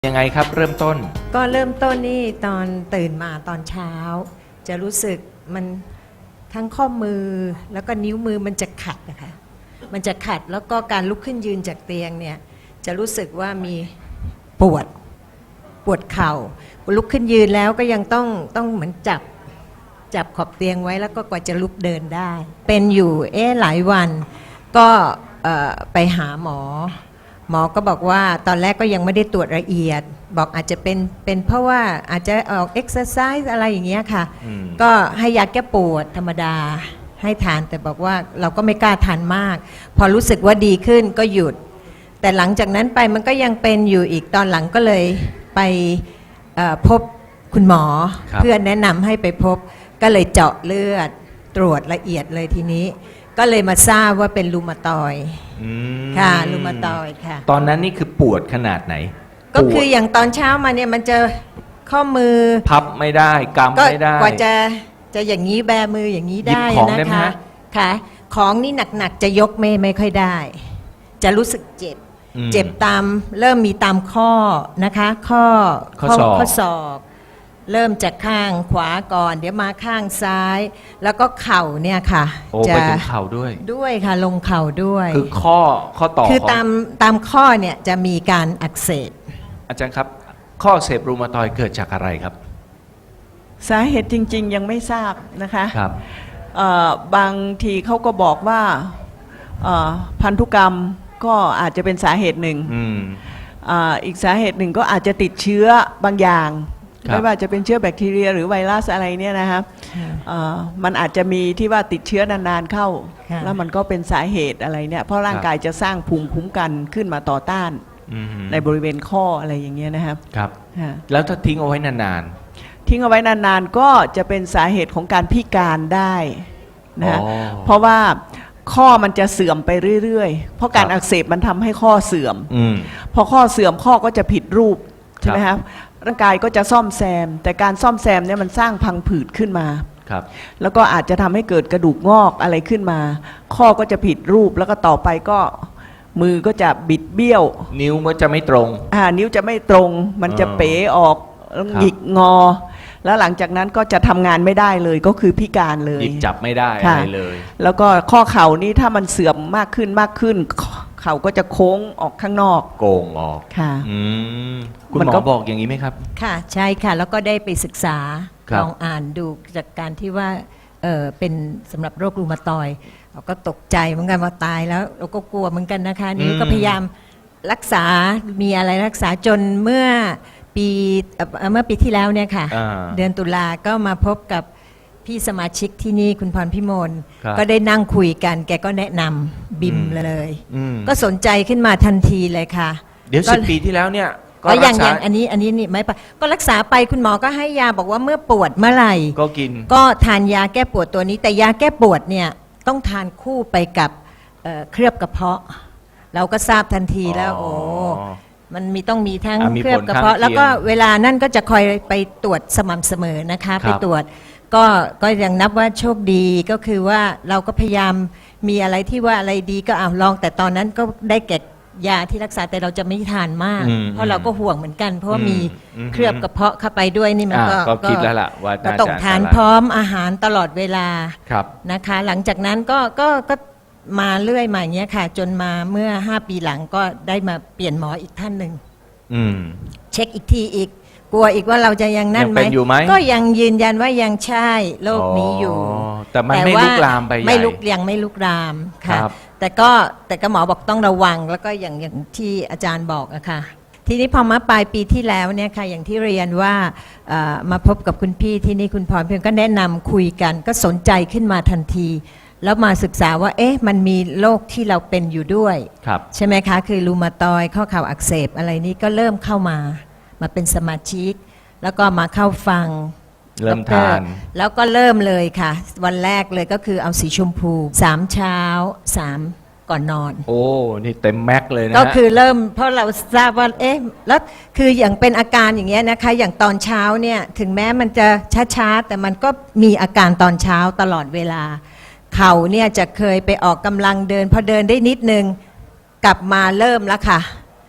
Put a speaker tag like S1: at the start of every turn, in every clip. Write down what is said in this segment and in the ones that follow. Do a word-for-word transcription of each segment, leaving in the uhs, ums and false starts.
S1: ยังไงครับเริ่มต้น
S2: ก็เริ่มต้นนี่ตอนตื่นมาตอนเช้าจะรู้สึกมันทั้งข้อมือแล้วก็นิ้วมือมันจะขัดนะคะมันจะขัดแล้วก็การลุกขึ้นยืนจากเตียงเนี่ยจะรู้สึกว่ามีปวดปวดเข่าลุกขึ้นยืนแล้วก็ยังต้องต้องเหมือนจับจับขอบเตียงไว้แล้วก็กว่าจะลุกเดินได้เป็นอยู่เอ๊ะหลายวันก็ไปหาหมอหมอก็บอกว่าตอนแรกก็ยังไม่ได้ตรวจละเอียดบอกอาจจะเป็นเป็นเพราะว่าอาจจะออกเอ็กซ์ไซส์อะไรอย่างเงี้ยค่ะก็ให้ยาแก้ปวดธรรมดาให้ทานแต่บอกว่าเราก็ไม่กล้าทานมากพอรู้สึกว่าดีขึ้นก็หยุดแต่หลังจากนั้นไปมันก็ยังเป็นอยู่อีกตอนหลังก็เลยไปพบคุณหมอเพื่อนแนะนำให้ไปพบก็เลยเจาะเลือดตรวจละเอียดเลยทีนี้ก็เลยมาทราบว่าเป็นรูมาตอยด์ค่ะรูมาตอยด์ค่ะ
S1: ตอนนั้นนี่คือปวดขนาดไหน
S2: ก็คืออย่างตอนเช้ามาเนี่ยมันจะข้อมือ
S1: พับไม่ได้กำไม่ได้
S2: กว่าจะจะอย่างนี้แบมืออย่างนี้ได้นะคะค่ะของนี่หนักๆจะยกไม่ไม่ค่อยได้จะรู้สึกเจ็บเจ็บตามเริ่มมีตามข้อนะคะข้อ
S1: ข้อข้อ
S2: ศอกเริ่มจากข้างขวาก่อนเดี๋ยวมาข้างซ้ายแล้วก็เข่าเนี่ยค่ะ
S1: โอ้ไปถึงเข่าด้วย
S2: ด้วยค่ะลงเข่าด้วย
S1: คือข้อข้อต่อ
S2: คือตามตามข้อเนี่ยจะมีการอักเสบ
S1: อาจารย์ครับข้ออักเสบรูมาตอยด์เกิดจากอะไรครับ
S3: สาเหตุจริงๆยังไม่ทราบนะคะ
S1: ครับ
S3: บางทีเขาก็บอกว่าพันธุกรรมก็อาจจะเป็นสาเหตุหนึ่ง อ, อีกสาเหตุหนึ่งก็อาจจะติดเชื้อบางอย่างไม่ว่าจะเป็นเชื้อแบคทีเรียหรือไวรัสอะไรเนี่ยนะครับมันอาจจะมีที่ว่าติดเชื้อนานๆเข้าแล้วมันก็เป็นสาเหตุอะไรเนี่ยเพราะร่างกายจะสร้างภูมิคุ้มกันขึ้นมาต่อต้านในบริเวณข้ออะไรอย่างเงี้ยนะครับ
S1: ครับแล้วถ้าทิ้งเอาไว้นาน
S3: ๆทิ้งเอาไว้นานๆก็จะเป็นสาเหตุของการพิการได้นะเพราะว่าข้อมันจะเสื่อมไปเรื่อยๆเพราะการอักเสบมันทำให้ข้อเสื่อมพอข้อเสื่อมข้อก็จะผิดรูปใช่ไหมครับร่างกายก็จะซ่อมแซมแต่การซ่อมแซมเนี่ยมันสร้างพังผืดขึ้นมา
S1: ครับ
S3: แล้วก็อาจจะทำให้เกิดกระดูกงอกอะไรขึ้นมาข้อก็จะผิดรูปแล้วก็ต่อไปก็มือก็จะบิดเบี้ยว
S1: นิ้วก็จะไม่ตรง
S3: อ่านิ้วจะไม่ตรงมันจะเป๋ออกหงิกงอแล้วหลังจากนั้นก็จะทำงานไม่ได้เลยก็คือพิการเลย
S1: หยิบจับไม่ได้อะไรเลย
S3: แล้วก็ข้อเข่านี่ถ้ามันเสื่อมมากขึ้นมากขึ้นเข่าก็จะโค้งออกข้างนอก
S1: โกงออก
S3: ค่ะ
S1: คุณหมอบอกอย่างนี้ไหมครับ
S2: ค่ะใช่ค่ะแล้วก็ได้ไปศึกษาลองอ่านดูจากการที่ว่าเออเป็นสำหรับโรครูมาตอยด์เราก็ตกใจเหมือนกันว่าตายแล้วเราก็กลัวเหมือนกันนะคะนี่ก็พยายามรักษามีอะไรรักษาจนเมื่อปีเมื่อปีที่แล้วเนี่ยค่ะเดือนตุลาก็มาพบกับพี่สมาชิกที่นี่คุณพรพิมลก็ได้นั่งคุยกันแกก็แนะนำบิมเลยก็สนใจขึ้นมาทันทีเลยค่ะ
S1: เดี๋ยวสิบปีที่แล้วเนี่ย
S2: ก็อย่างอย่างอันนี้อันนี้นี่ไม่ไปก็รักษาไปคุณหมอก็ให้ยาบอกว่าเมื่อปวดเมื่อไหร่
S1: ก็กิน
S2: ก็ทานยาแก้ปวดตัวนี้แต่ยาแก้ปวดเนี่ยต้องทานคู่ไปกับเคลือบกระเพาะเราก็ทราบทันทีแล้วโอ้มันมีต้องมีทั้งเคลือบกระเพาะแล้วก็เวลานั่นก็จะคอยไปตรวจสม่ำเสมอนะคะไปตรวจก็ก็ยังนับว่าโชคดีก็คือว่าเราก็พยายามมีอะไรที่ว่าอะไรดีก็เอาลองแต่ตอนนั้นก็ได้แก่ยาที่รักษาแต่เราจะไม่ทานมากเพราะเราก็ห่วงเหมือนกันเพราะว่ามีเคลือบกระเพาะเข้าไปด้วยนี่มัน
S1: ก็คิดแล้วล่ะว่า
S2: ก็ต้องทานพร้อมอาหารตลอดเวลานะคะหลังจากนั้นก็ก็ก็มาเรื่อยมาอย่างเงี้ยค่ะจนมาเมื่อห้าปีหลังก็ได้มาเปลี่ยนหมออีกท่านหนึ่งเช็คอีกทีอีกกลัวอีกว่าเราจะยังนั่นไหมก็ยังยืนยันว่ายังใช่โรคนี้อยู่
S1: แต่มันไม่ลุกลามไป
S2: ไม่ลุกยังไม่ลุกลามค่ะแต่ก็แต่ก็หมอบอกต้องระวังแล้วก็อย่างอย่างที่อาจารย์บอกอะค่ะทีนี้พอมาปลายปีที่แล้วเนี่ยค่ะอย่างที่เรียนว่ามาพบกับคุณพี่ที่นี่คุณพรเพียงก็แนะนำคุยกันก็สนใจขึ้นมาทันทีแล้วมาศึกษาว่าเอ๊ะมันมีโรคที่เราเป็นอยู่ด้วยใช่ไหมคะคือรูมาตอยด์ข้อเข่าอักเสบอะไรนี้ก็เริ่มเข้ามามาเป็นสมาชิกแล้วก็มาเข้าฟัง
S1: เริ่มทาน
S2: แล้วก็เริ่มเลยค่ะวันแรกเลยก็คือเอาสีชมพูสามเช้าสามก่อนนอน
S1: โอ้นี่เต็มแม็กเลยนะ
S2: ก็คือเริ่มเพราะเราทราบว่าเอ๊ะแล้วคืออย่างเป็นอาการอย่างเงี้ยนะคะอย่างตอนเช้าเนี่ยถึงแม้มันจะช้าๆแต่มันก็มีอาการตอนเช้าตลอดเวลาเข่าเนี่ยจะเคยไปออกกำลังเดินพอเดินได้นิดนึงกลับมาเริ่มแล้วค่ะ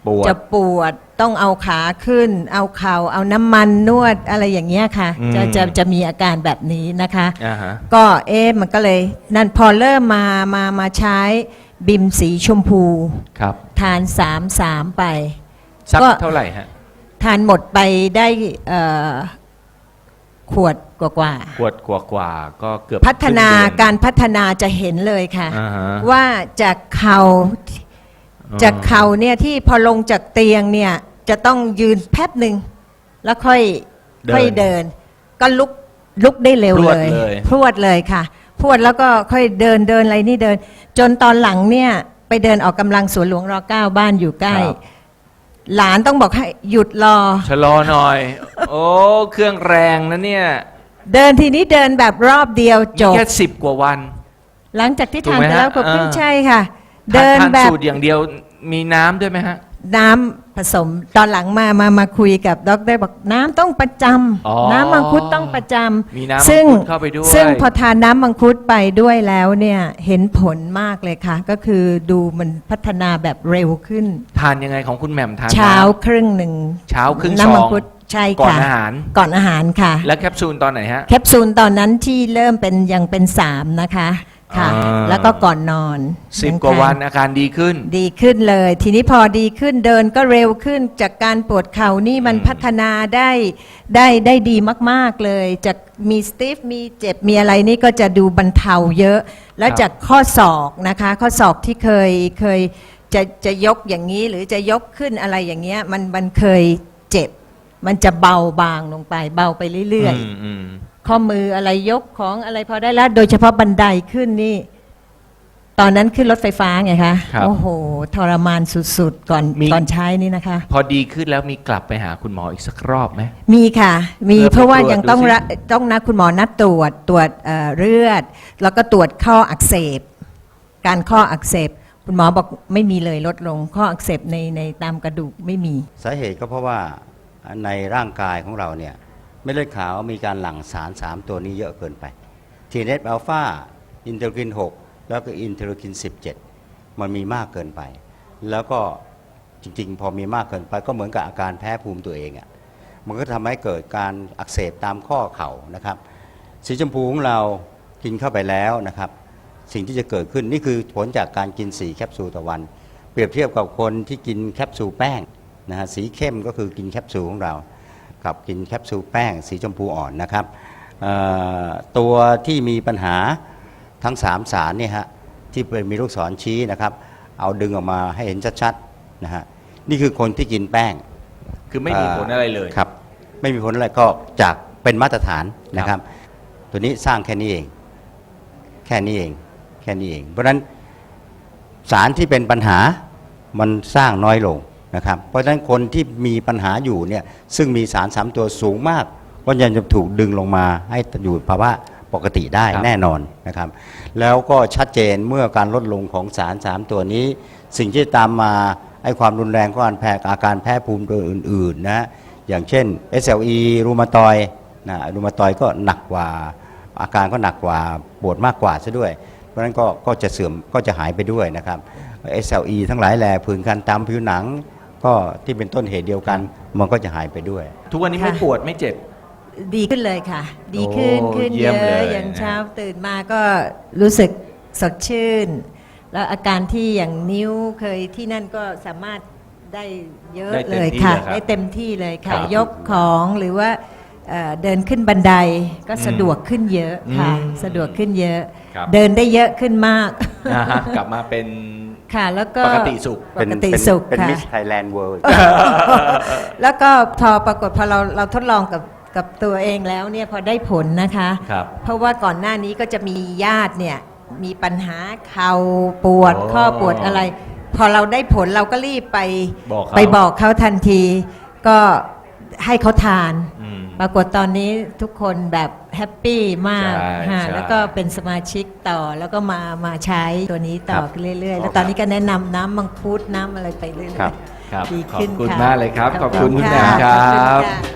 S1: ปวด
S2: จะปวดต้องเอาขาขึ้น เอาเข่าเอาน้ำมันนวดอะไรอย่างเงี้ยค่ะ
S1: อืม
S2: จะจะจะมีอาการแบบนี้นะคะ
S1: อ่าฮะ
S2: ก็เอ๊ะมันก็เลยนั่นพอเริ่มมามามาใช้บิมสีชมพู
S1: ครับ
S2: ทานสามสามไป
S1: สัก
S2: ก็
S1: เท่าไหร่ฮะ
S2: ทานหมดไปได้เอ่อขวดกว่าๆ
S1: ขวดกว่าๆก็เกือบ
S2: พัฒนา
S1: คงเดือน
S2: การพัฒนาจะเห็นเลยค่ะ
S1: อ่าฮะ
S2: ว่าจากเขา
S1: อ๋อ
S2: จากเขาเนี่ยที่พอลงจากเตียงเนี่ยจะต้องยืนแป๊บหนึ่งแล้วค่อยค่อยเดิน ก็ลุกลุกได้เร็ว
S1: พรวด
S2: เลย
S1: เลย
S2: พรวดเลยค่ะพรวดแล้วก็ค่อยเดินเดินอะไรนี่เดิน จนตอนหลังเนี่ยไปเดินออกกำลังสวนหลวงรเก้าบ้านอยู่ใกล้
S1: ครับ
S2: หลานต้องบอกให้หยุดรอ
S1: ชะลอหน่อย โอ้เครื่องแรงนะเนี่ย
S2: เดินทีนี้เดินแบบรอบเดียวจ
S1: นี่
S2: บ
S1: แค่สิบกว่าวัน
S2: หลังจากที่
S1: ถูก
S2: ทาน
S1: ไหม
S2: ไปแล้ว
S1: ฮะ
S2: ก็เพิ่ง
S1: อ่า
S2: ใช่ค่ะ
S1: ทาน
S2: เดิน
S1: ทาน
S2: แบบ
S1: สูตรอย่างเดียวมีน้ำด้วยไหมฮะ
S2: น้ำผสมตอนหลังมามามาคุยกับดรบอกน้ำต้องประจ
S1: อ๋อ
S2: ำน้ำมังคุดต้องประจ
S1: มีน้ำ
S2: ำซึ่ง
S1: มังคุดเข้าไปด้วย
S2: ซึ่งพอทานน้ำมังคุดไปด้วยแล้วเนี่ยเห็นผลมากเลยค่ะ ก็คือดูมันพัฒนาแบบเร็วขึ้น
S1: ทานยังไงของคุณแหม่มทาน
S2: เช้า
S1: น้
S2: ครึ่งหนึ่ง
S1: ำเช้าครึ่งซ
S2: น้ำมั
S1: อง ง
S2: คุดใช่
S1: ก่อน
S2: ค่ะ
S1: อาหาร
S2: ก่อนอาหารค่ะ
S1: แล้วแคปซูลตอนไหนฮะ
S2: แคปซูลตอนนั้นที่เริ่มเป็นยังเป็นสามนะคะค่ะ
S1: อ่า
S2: แล้วก็ก่อนนอน
S1: สิบ
S2: ยัง
S1: กว่า
S2: ท
S1: วันอาการดีขึ้น
S2: ดีขึ้นเลย ทีนี้พอดีขึ้นเดินก็เร็วขึ้นจากการปวดเข่านี่มัน
S1: อืม
S2: พัฒนาได้ได้ได้ดีมากๆเลยจากมีสติฟมีเจ็บมีอะไรนี่ก็จะดูบรรเทาเยอะ แล้วจากข้อศอกนะคะ ข้อศอกที่เคยเคยจะจะยกอย่างนี้หรือจะยกขึ้นอะไรอย่างเงี้ยมันมันเคยเจ็บ มันจะเบาบางลงไปเบาไปเรื่อย
S1: มอืม
S2: ๆ ข้อมืออะไรยกของอะไรพอได้แล้ว โดยเฉพาะบันไดขึ้นนี่ ตอนนั้นขึ้นรถไฟฟ้าไงคะ
S1: ครับ
S2: โอ้โห ทรมานสุดๆ ก่อน
S1: มี
S2: ก่อนใช้นี่นะคะ
S1: พอดีขึ้นแล้วมีกลับไปหาคุณหมออีกสักรอบไหม
S2: มีค่ะ มี
S1: เพื่อไป
S2: เพราะว่า
S1: ตรวจ
S2: ยังต้อง
S1: ดูสิ
S2: ระต้องนัดคุณหมอนัดตรวจตรวจเอ่อเลือด แล้วก็ตรวจข้ออักเสบ การข้ออักเสบ คุณหมอบอกไม่มีเลยลดลง ข้ออักเสบในในตามกระดูกไม่มี
S4: สาเหตุก็เพราะว่าในร่างกายของเราเนี่ยเม็ดเลือดขาวมีการหลั่งสาร สาม ตัวนี้เยอะเกินไป ที เอ เอฟ อัลฟา อินเทอร์คิน หก แล้วก็อินเทอร์คิน สิบเจ็ด มันมีมากเกินไป แล้วก็จริงๆ พอมีมากเกินไปก็เหมือนกับอาการแพ้ภูมิตัวเองอะ่ะมันก็ทำให้เกิดการอักเสบตามข้อเข่านะครับ สีชมพูของเรากินเข้าไปแล้วนะครับ สิ่งที่จะเกิดขึ้นนี่คือผลจากการกินสี่แคปซูลต่อวัน เปรียบเทียบกับคนที่กินแคปซูลแป้งนะฮะสีเข้มก็คือกินแคปซูลของเรากับกินแคปซูลแป้ง สีชมพูอ่อนนะครับเอ่อตัวที่มีปัญหาทั้งสามสารเนี่ยฮะที่เป็นมีลูกศรชี้นะครับเอาดึงออกมาให้เห็นชัดๆนะฮะนี่คือคนที่กินแป้ง
S1: คือไม่มีผลอะไรเลย
S4: ครับไม่มีผลอะไรก็จากเป็นมาตรฐานนะครับ ตัวนี้สร้างแค่นี้เอง แค่นี้เองแค่นี้เอง เพราะฉะนั้นสารที่เป็นปัญหามันสร้างน้อยลงนะครับ เพราะฉะนั้นคนที่มีปัญหาอยู่เนี่ยซึ่งมีสารสามตัวสูงมากก็ยังจะถูกดึงลงมาให้อยู่ภาวะปกติได้
S1: ครับ
S4: แน่นอนนะครับ แล้วก็ชัดเจนเมื่อการลดลงของสารสามตัวนี้ สิ่งที่ตามมาไอ้ความรุนแรงของการแพ้อาการแพ้ภูมิตัวอื่นๆนะอย่างเช่น เอส แอล อี รูมาตอยด์นะรูมาตอยด์ก็หนักกว่าอาการก็หนักกว่าปวดมากกว่าซะด้วย เพราะฉะนั้นก็ก็จะเสื่อมก็จะหายไปด้วยนะครับ เอส แอล อี ทั้งหลายแหล่ผื่นคันตามผิวหนัง ก็ที่เป็นต้นเหตุเดียวกันมันก็จะหายไปด้วย
S1: ทุกวันนี้ไม่
S2: ค่ะ
S1: ปวดไม่เจ็บ
S2: ดีขึ้นเลยค่ะ ดีขึ้น
S1: โอ้
S2: ขึ้น
S1: เยี่
S2: เย
S1: ยมเล
S2: อะ
S1: ย
S2: อย่าง
S1: นะ
S2: เช้าตื่นมาก็รู้สึกสดชื่น แล้วอาการที่อย่างนิ้วเคยที่นั่นก็สามารถได้เยอะ
S1: ได้
S2: เล
S1: เต็ม
S2: ย
S1: ที่
S2: ค่ะ
S1: เลยครับ
S2: ได้เต็มที่เลยค่ะ
S1: ครับ
S2: ยกของหรือว่าเอ่อเดินขึ้นบันไดก็สะดวกขึ้นเยอะค่ะ
S1: อืม
S2: สะดวกขึ้นเยอะ
S1: ครับ
S2: เดินได้เยอะขึ้นมาก
S1: นะฮะกลับมาเป็น
S2: ค่ะ แล้วก็
S1: ปกติสุข
S2: ปกติสุข
S4: เป็น
S2: ค่ะ
S4: มิสไทยแลนด์เวิลด์
S2: แล้วก็พอปรากฏพอเราเราทดลองกับกับตัวเองแล้วเนี่ยพอได้ผลนะคะ
S1: ครับ
S2: เพราะว่าก่อนหน้านี้ก็จะมีญาติเนี่ยมีปัญหาเข่าปวด
S1: อ๋อ
S2: ข้อปวดอะไร พอเราได้ผลเราก็รีบไป
S1: บอกเขา
S2: ไปบอกเขาทันที ก็ให้เขาทาน
S1: อืม
S2: ปรากฏตอนนี้ทุกคนแบบแฮปปี้มาก
S1: ใช่
S2: ฮะ
S1: ใช่
S2: แล้วก็เป็นสมาชิกต่อแล้วก็มามาใช้ตัวนี้ต่อ
S1: ครับ
S2: เรื่อยๆ แล้วตอนนี้ก็แนะนำน้ำมังคุดน้ำอะไรไปเรื่อย
S4: ครับ
S2: ๆ
S1: ครับ
S2: ดี
S1: ขอบ
S2: ขึ้น
S1: คุณ
S2: ค่ะ
S1: มากเลยครับ ขอบคุณคุณแหม่ม
S2: ะ
S1: ครั
S2: ขอบคุณ
S1: บ
S2: ค่ะ